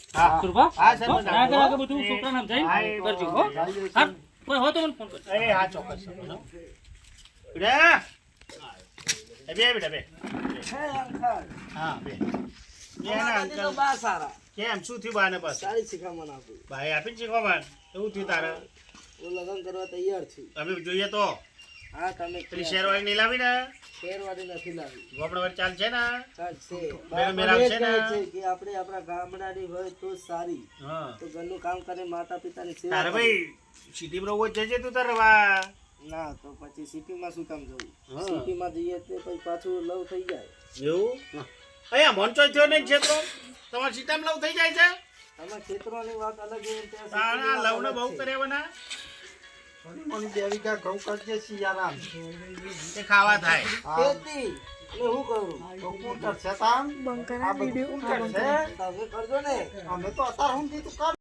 હા સુરભા હા સર આગળ આગળ બધું છોકરાને સમજાવી કરજો હો હા કોઈ હોય તો મને ફોન કરજો એ હા ચોક્કસ બેટા એ બે બેટા બે હે અંકલ હા બે અમારા દાદી તો બા સારા કેમ શું થયું બાને બસ સારી શિખામણ આપી ભાઈ આપીને શીખવા બાન એવું થયું તારે હું લગ્ન કરવા તૈયાર છું અમે જોઈએ તો હા તમે પેલી શેરવાળી નહીં લાવી ને શેરવાળી નથી લાવી ગોપડા વાર ચાલ છે ને ચાલશે મેરા મને છે જ ને? કહે છે કે આપણે આપણા ગામડાની હોય તો સારી હા તો ઘરનું કામ કરે માતા પિતાની સેવા તારે કરે. ભાઈ સિટીમાં રહું જજે તું તારે વા ના તો પછી સિટીમાં શું કામ જવું હા. સિટીમાં જઈએ તો પછી પાછું લવ થઈ જાય એવું અહીંયા મોનચો થયો ને ક્ષેત્રો તમારા સીતામાં લવ થઈ જાય છે અમે ખેતરોની વાત અલગ છે ત્યાં તારા સિટીની વાત લવને અલગ બહુ છે. કર્યાવાના દેવિકા ઘઉં કરજે સિયારામ એ ખાવા થાય ખેતી એટલે હું કરું બંકના વિડિયો તમે કરજો ને અમે તો અત્યારે હું કીધું